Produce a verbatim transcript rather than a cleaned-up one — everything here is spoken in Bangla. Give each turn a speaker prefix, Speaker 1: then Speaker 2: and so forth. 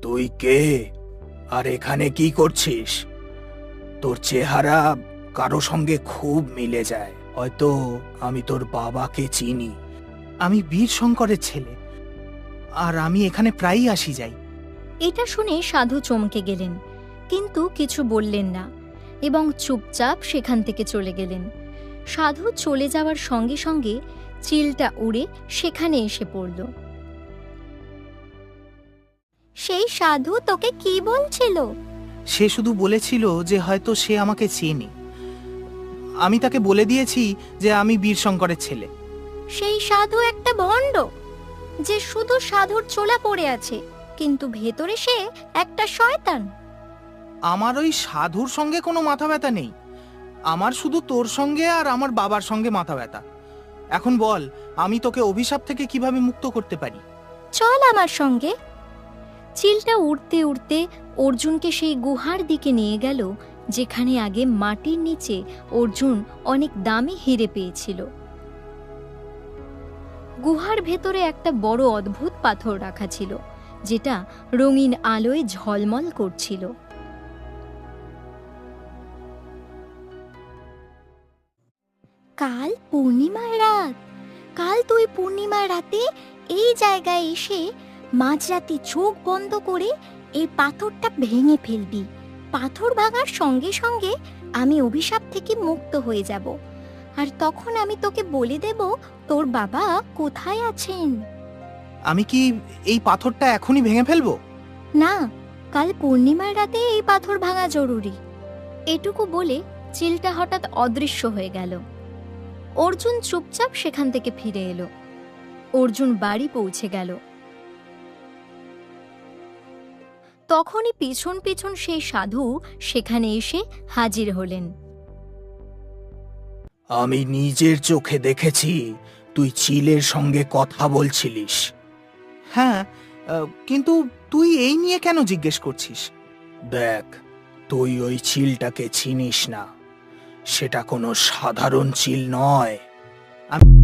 Speaker 1: তুই কে আর এখানে কি করছিস? তোর চেহারা কারো সঙ্গে খুব মিলে যায়। হয়তো আমি তোর বাবাকে চিনি।
Speaker 2: আমি বীর শঙ্করের ছেলে, আর আমি এখানে প্রায়ই আসি যাই।
Speaker 3: এটা শুনে সাধু চমকে গেলেন, কিন্তু কিছু বললেন না এবং চুপচাপ সেখান থেকে চলে গেলেন। সাধু চলে যাওয়ার সঙ্গে সঙ্গে চিলটা উড়ে সেখানে এসে পড়ল। সেই সাধু তোকে কি বলছিল?
Speaker 2: সে শুধু বলেছিল যে হয়তো সে আমাকে চেনে। আমি তাকে বলে দিয়েছি যে আমি বীর শঙ্করের ছেলে।
Speaker 3: সেই সাধু একটা ভণ্ড, যে শুধু সাধুর চোলা পড়ে আছে, কিন্তু ভেতরে সে একটা শয়তান।
Speaker 2: আমার ওই সাধুর সঙ্গে কোনো মাথা ব্যথা নেই। আমার শুধু তোর সঙ্গে আর আমার বাবার সঙ্গে মাথা ব্যথা। এখন বল, আমি তোকে অভিশাপ থেকে কিভাবে মুক্ত করতে পারি?
Speaker 3: চল আমার সঙ্গে। চিলটা উড়তে উড়তে অর্জুনকে সেই গুহার দিকে নিয়ে গেল, যেখানে আগে মাটির নিচে অর্জুন অনেক দামি হিরে পেয়েছিল। গুহার ভেতরে একটা বড় অদ্ভুত পাথর রাখা ছিল, যেটা রঙিন আলোয় ঝলমল করছিল। কাল পূর্ণিমার রাত। কাল তুই পূর্ণিমার রাতে এই জায়গায় এসে মাঝরাতে চোখ বন্ধ করে এই পাথরটা ভেঙে ফেলবি। পাথর ভাঙার সঙ্গে সঙ্গে আমি অভিশাপ থেকে মুক্ত হয়ে যাব, আর তখন আমি তোকে বলে দেব তোর বাবা কোথায় আছেন।
Speaker 2: আমি কি এই পাথরটা এখনই ভেঙে ফেলবো?
Speaker 3: না, কাল পূর্ণিমার রাতে এই পাথর ভাঙা জরুরি। এটুকু বলে চিলটা হঠাৎ অদৃশ্য হয়ে গেল। অর্জুন চুপচাপ সেখান থেকে ফিরে এলো। অর্জুন বাড়ি পৌঁছে গেল। তখনই পিছন পিছন সেই সাধু সেখানে এসে হাজির হলেন।
Speaker 1: আমি নিজের চোখে দেখেছি তুই চিলের সঙ্গে কথা বলছিলিস।
Speaker 2: হ্যাঁ, আহ, কিন্তু তুই এই নিয়ে কেন জিজ্ঞেস করছিস?
Speaker 1: দেখ, তুই ওই চিলটাকে চিনিস না। সেটা কোনো সাধারণ চিল নয়।
Speaker 2: আমি